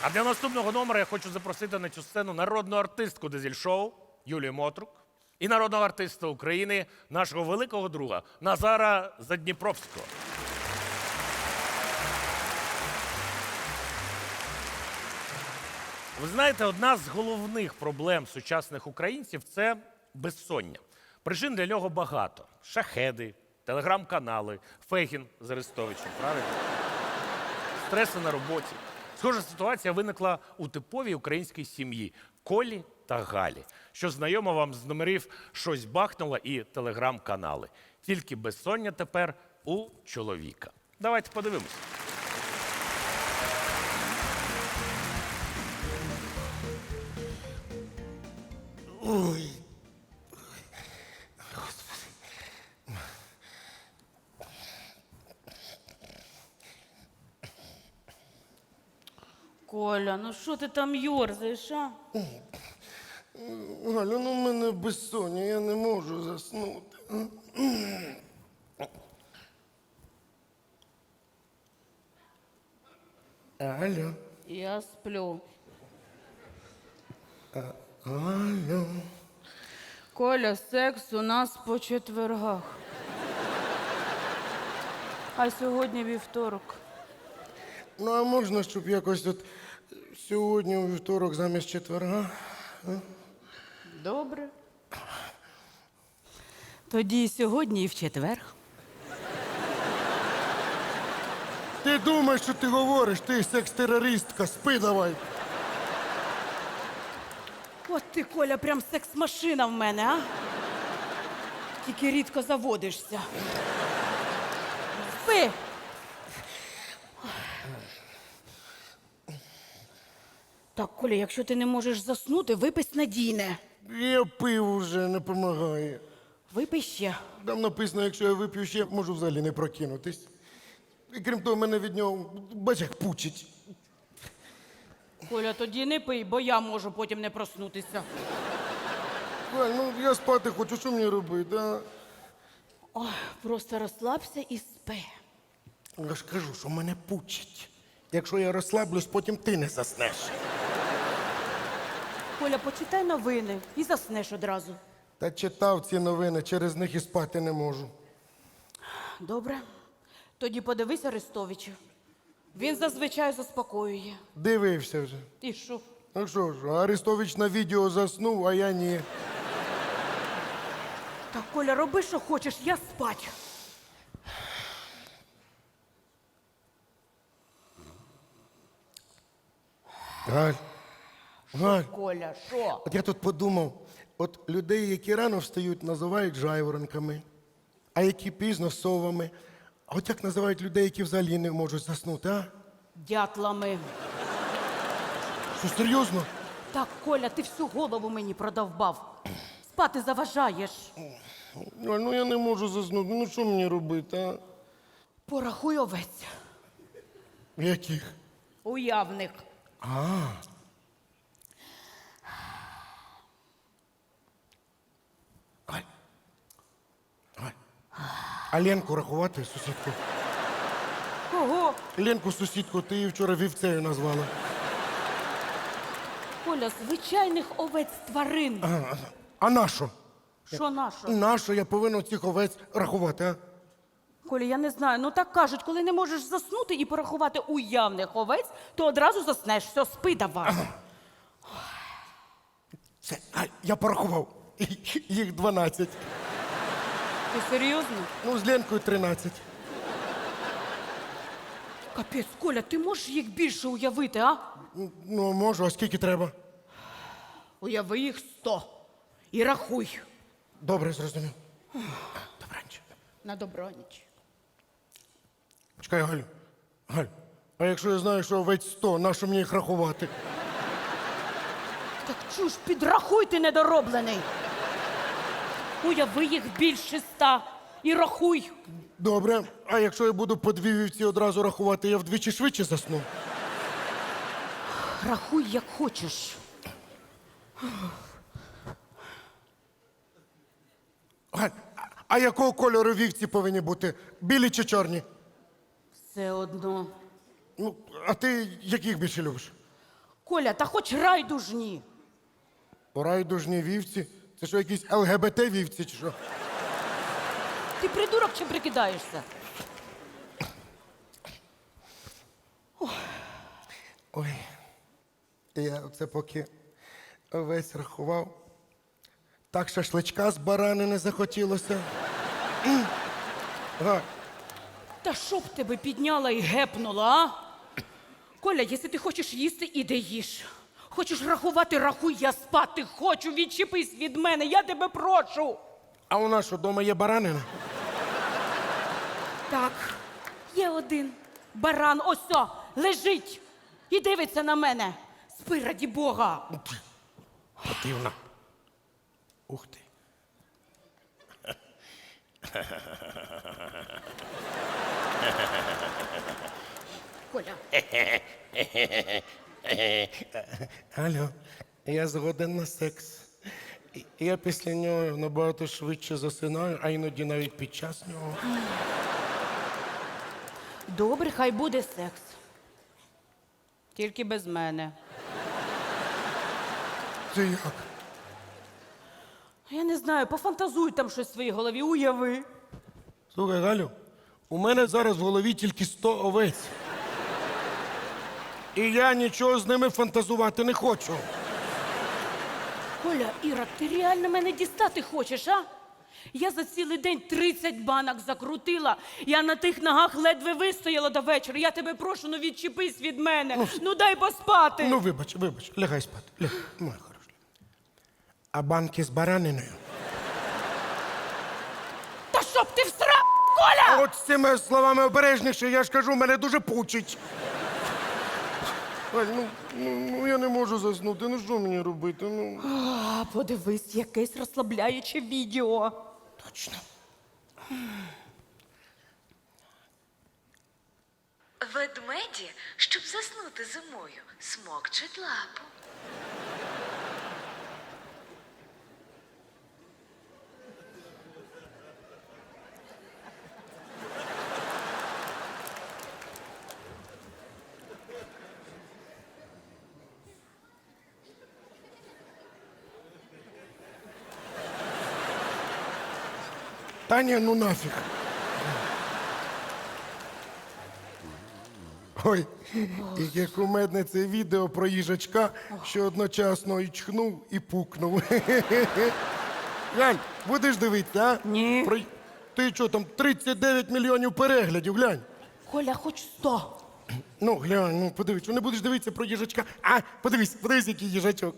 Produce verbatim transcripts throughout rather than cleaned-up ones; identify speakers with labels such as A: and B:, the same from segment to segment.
A: А для наступного номера я хочу запросити на цю сцену народну артистку дизель-шоу Юлію Мотрук і народного артиста України, нашого великого друга Назара Задніпровського. Ви знаєте, одна з головних проблем сучасних українців – це безсоння. Причин для нього багато. Шахеди, телеграм-канали, Фегін з Арестовичем, правильно? Стреси на роботі. Схожа ситуація виникла у типовій українській сім'ї – Колі та Галі, що знайомо вам з номерів «Щось бахнуло» і телеграм-канали. Тільки безсоння тепер у чоловіка. Давайте подивимося.
B: Ой.
C: Коля, ну що ти там йорзаєш, а?
B: Галю, ну в мене безсоння, я не можу заснути. Алло.
C: Я сплю.
B: Алло.
C: Коля, секс у нас по четвергах. А сьогодні вівторок.
B: Ну, а можна, щоб якось от сьогодні у вівторок замість четверга?
C: Добре. Тоді і сьогодні, і в четвер.
B: Ти думаєш, що ти говориш? Ти секс-терористка, спи давай.
C: От ти, Коля, прям секс-машина в мене, а? Тільки рідко заводишся. Спи! Так, Коля, якщо ти не можеш заснути, випий снадійне.
B: Я пив уже, не допомагає.
C: Випий ще.
B: Там написано, якщо я вип'ю ще, можу взагалі не прокинутись. І крім того, мене від нього, бач, як пучить.
C: Коля, тоді не пий, бо я можу потім не проснутися.
B: Галь, ну я спати хочу, що мені робити, а?
C: Ой, просто розслабся і спи.
B: Я ж кажу, що мене пучить. Якщо я розслаблюсь, потім ти не заснеш.
C: Коля, почитай новини і заснеш одразу.
B: Та читав ці новини, через них і спати не можу.
C: Добре. Тоді подивись Арестовича. Він зазвичай заспокоює.
B: Дивився вже.
C: І що?
B: Ну що ж, Арестович на відео заснув, а я ні.
C: Так, Коля, роби, що хочеш, я спать.
B: Галь, Галь,
C: Коля, що?
B: от я тут подумав, от людей, які рано встають, називають жайворонками, а які пізно совами. А от як називають людей, які взагалі не можуть заснути, а?
C: Дятлами.
B: Що, серйозно?
C: Так, Коля, ти всю голову мені продовбав. Спати заважаєш.
B: Галь, ну я не можу заснути, ну що мені робити, а?
C: Порахуй овець.
B: Яких?
C: Уявних.
B: Галь. Галь. А Ленку рахувати, сусідку?
C: Кого?
B: Ленку, сусідку, ти її вчора вівцею назвала.
C: Коля, звичайних овець тварин.
B: А, а нащо?
C: Що наша?
B: Нащо я повинен цих овець рахувати, а?
C: Коля, я не знаю. Ну так кажуть, коли не можеш заснути і порахувати уявних овець, то одразу заснеш. Все, спи давай.
B: Це, а, я порахував. Їх дванадцять.
C: Ти серйозно?
B: Ну, з Ленкою тринадцять.
C: Капець, Коля, ти можеш їх більше уявити, а?
B: Ну, можу, а скільки треба?
C: Уяви їх сто. І рахуй.
B: Добре, зрозумів. Добраніч.
C: На добраніч.
B: Чекай, Галю. Галь, а якщо я знаю, що овець сто, нащо мені їх рахувати?
C: Так чуж, підрахуй ти недороблений. Уяви їх більше ста. І рахуй.
B: Добре, а якщо я буду по дві вівці одразу рахувати, я вдвічі швидше засну?
C: Рахуй, як хочеш.
B: Галь, а якого кольору вівці повинні бути? Білі чи чорні?
C: Все одно.
B: Ну, а ти яких більше любиш?
C: Коля, та хоч райдужні.
B: Райдужні вівці? Це що, якісь ел ге бе те вівці чи що?
C: Ти придурок чи прикидаєшся?
B: Ой, я оце поки весь рахував. Так шашличка з баранини захотілося. М. Га,
C: Та що б тебе підняла і гепнула, а? Коля, якщо ти хочеш їсти, іди їж. Хочеш рахувати, рахуй, я спати хочу, відчепись від мене, я тебе прошу.
B: а у нас що, вдома є баранина?
C: Так, є один баран, ось о, лежить і дивиться на мене. Спи, раді Бога.
B: Противно. Ух ти.
C: Коля,
B: Алло, я згоден на секс. І- Я після нього набагато швидше засинаю, а іноді навіть під час нього.
C: добре, хай буде секс. Тільки без мене.
B: Це як?
C: Я не знаю, пофантазуй там щось в своїй голові, уяви.
B: Слухай, Галю, у мене зараз в голові тільки сто овець. І я нічого з ними фантазувати не хочу.
C: Коля, Іра, ти реально мене дістати хочеш, а? Я за цілий день тридцять банок закрутила. Я на тих ногах ледве вистояла до вечора. Я тебе прошу, ну відчепись від мене. Ну дай поспати.
B: Ну, вибач, вибач, лягай спати. Лягай, моя хороша. А банки з бараниною?
C: Та щоб ти всрав, Коля!
B: От з цими словами обережніше, я ж кажу, мене дуже пучить. Галь, ну, ну, ну я не можу заснути, ну що мені робити? Ну.
C: А, подивись, якесь розслабляюче відео.
B: Точно.
D: Ведмеді, щоб заснути зимою, смокчуть лапу.
B: Та ні, ну нафіг. Ой, яке кумедне це відео про їжачка, що одночасно і чхнув, і пукнув. Глянь, будеш дивитися, а?
C: Ні.
B: Про... Ти що, там тридцять дев'ять мільйонів переглядів, глянь.
C: Коля, хоч сто.
B: Ну, глянь, ну подивись, що не будеш дивитися про їжачка. А, подивись, подивись, який їжачок.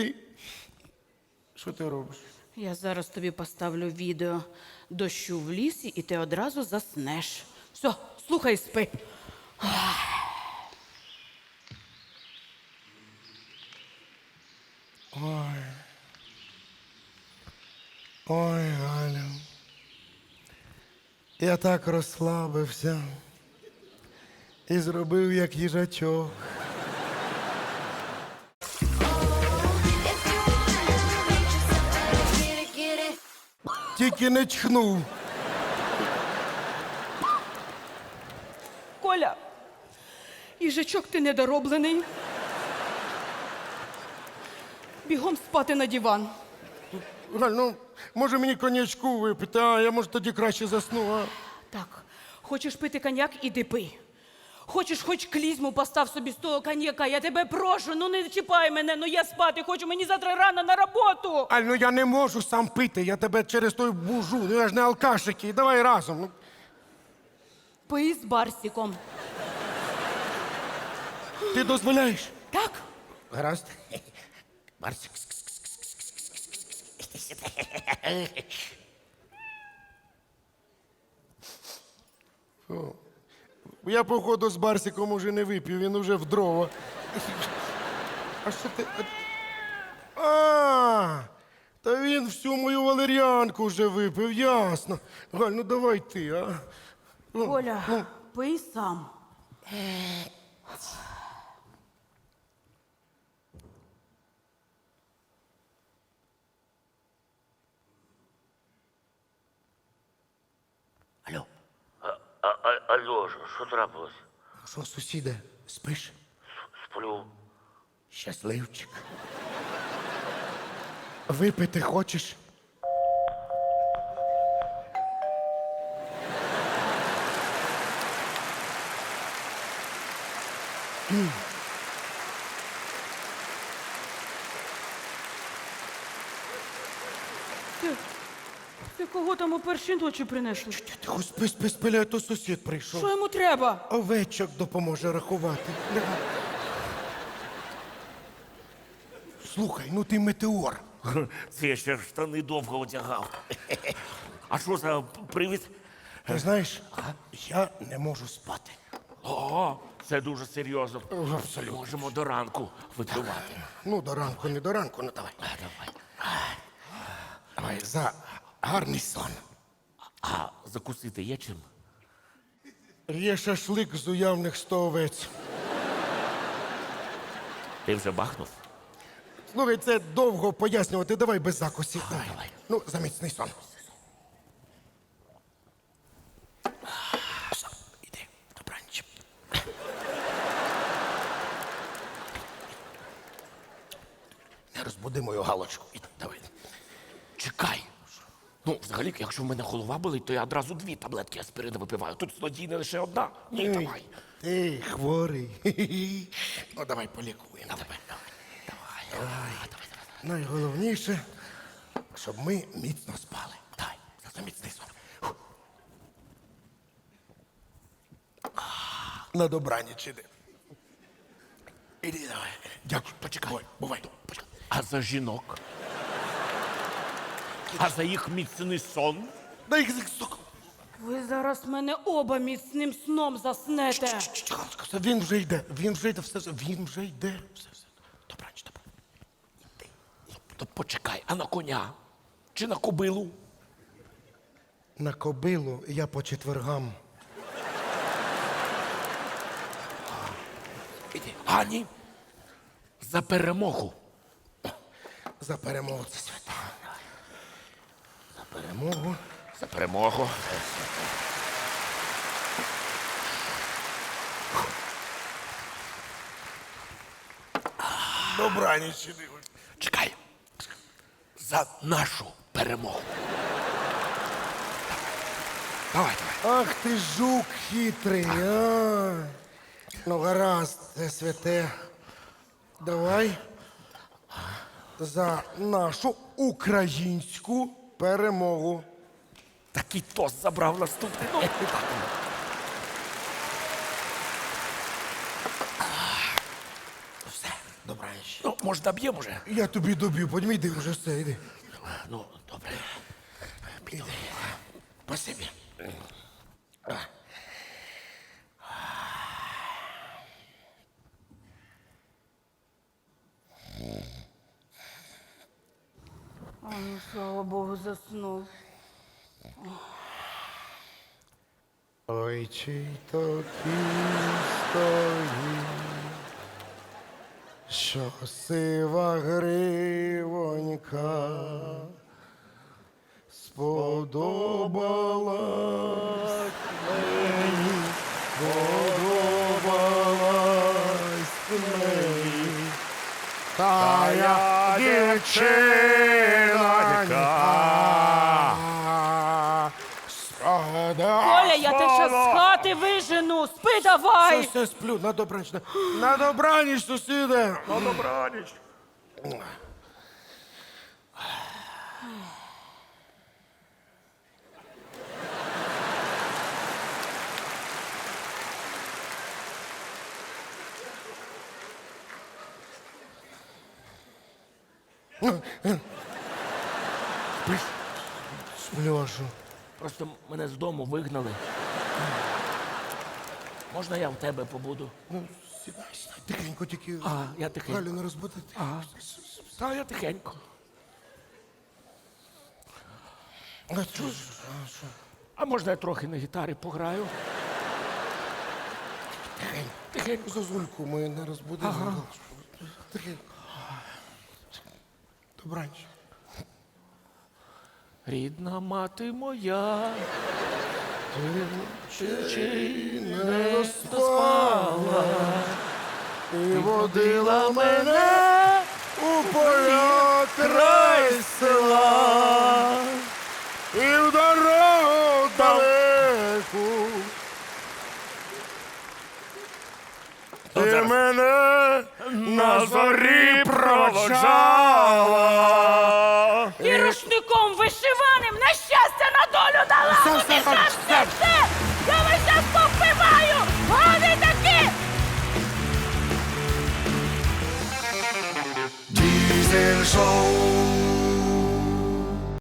B: Що ти робиш?
C: Я зараз тобі поставлю відео дощу в лісі, і ти одразу заснеш. Все, слухай, спи.
B: Ой, Галя. Я так розслабився і зробив як їжачок. Тільки не чхнув.
C: Коля, їжачок ти недороблений. Бігом спати на диван.
B: Галь, ну, може мені коньячку випити, а я може тоді краще засну, а?
C: Так, хочеш пити коньяк, іди пий. Хочеш, хоч клізму постав собі з того коньяка, я тебе прошу, ну не чіпай мене, ну я спати хочу, мені завтра рано на роботу.
B: Аль, ну я не можу сам пити, я тебе через той бужу, ну я ж не алкаш який, давай разом. Ну.
C: Пий з Барсіком.
B: Ти дозволяєш?
C: Так?
B: Гаразд.
A: Марсик.
B: Я, походу, з Барсиком уже не вип'ю, він уже в дрова. А що ти. А, та він всю мою валеріанку вже випив, ясно. Галь, ну давай ти, а. Ну,
C: Коля,
B: ну.
C: пий сам.
B: Алло,
E: А, а, алло, що- що трапилось?
B: що, сусіде, спиш?
E: Сплю.
B: Щасливчик. Випити хочеш?
C: Ти, ти кого там у першій ночі принесли?
B: Тихо, спи, спи, спи, а то сусід прийшов.
C: Що йому треба?
B: Овечок допоможе рахувати. Давай. Слухай, ну ти метеор.
E: Це я ще штани довго одягав. А що за привід?
B: Ти знаєш, я не можу спати.
E: О, це дуже серйозно.
B: Абсолютно.
E: Можемо до ранку випивати.
B: Ну, до ранку, не до ранку, ну давай.
E: Давай.
B: Давай, за гарний сон.
E: А закусити є чим?
B: Є шашлик з уявних сто овець.
E: Ти вже бахнув?
B: Слухай, це довго пояснювати, давай без закусів. Давай.
E: давай.
B: Ну, за міцний сон.
E: Іди, добраніч.
B: Не розбуди мою галочку. Іди, давай.
E: Чекай. Ну, взагалі, якщо в мене голова болить, то я одразу дві таблетки аспірина випиваю. Тут злодійна лише одна. Ні,
B: Ей,
E: давай.
B: Ти хворий. Хі-хі. Ну, давай полікуємо.
E: Давай, давай, давай, давай, давай.
B: Найголовніше, щоб ми міцно спали. Давай, за міцний сон. Фу. На добраніч іди. Іди, давай.
E: Дякую, почекай.
B: Бувай, бувай.
E: Почекай. А за жінок? А за їх міцний сон?
B: Дай їх сука.
C: Ви зараз мене оба міцним сном заснете.
B: Все, він вже йде, він вже йде, все, все, він вже йде. Все, все. Добраніч, добраніч.
E: То почекай, а на коня? Чи на кобилу?
B: На кобилу я по четвергам.
E: Іди. А, ні. За перемогу.
B: За перемогу це свята. За перемогу.
E: За перемогу.
B: Добраніч іди.
E: Чекай. За нашу перемогу. Давай, давай.
B: Ах ти жук хитрий, а. Ну, гаразд, це святе. Давай за нашу українську перемогу.
E: Такий тост забрав наступний. Ну,
B: Все, добраніч.
E: ну може, доб'ємо вже?
B: Я тобі доб'ю, подьмій, йди вже все, йди.
E: Ну, добре.
B: Іди. Спасибі.
C: А, ну, слава Богу, заснув.
B: Ой, чий то кінь стоїть, що сива гривонька сподобалась мені, сподобалась мені, та я дівчинонька.
C: Коля, я тебе ще з хати вижену. Спи давай.
B: Все, все, сплю, на добраніч. На, на добраніч, сусіде.
E: На добраніч.
B: Сплю, а що?
E: Просто мене з дому вигнали. Можна я в тебе побуду?
B: Ну, сідай, сідай. Тихенько тільки.
E: А, я тихенько.
B: Галю не розбудити.
E: Ага. Та я тихенько.
B: А що ж? А що?
E: А можна я трохи на гітарі пограю?
B: Тихенько.
E: Тихенько.
B: Зозульку ми не розбудили. Ага. Тихенько. Добраніч.
E: Рідна мати моя,
B: Чи
E: чи
B: не спала? і водила мене у поля край села, і в дорогу далеку. Ти мене на зорі проводжала.
C: І рушником вишиваним на щастя, на долю дала.
B: Все,
C: Ну,
B: все,
C: ти
B: все,
C: все, все,
B: все.
C: все.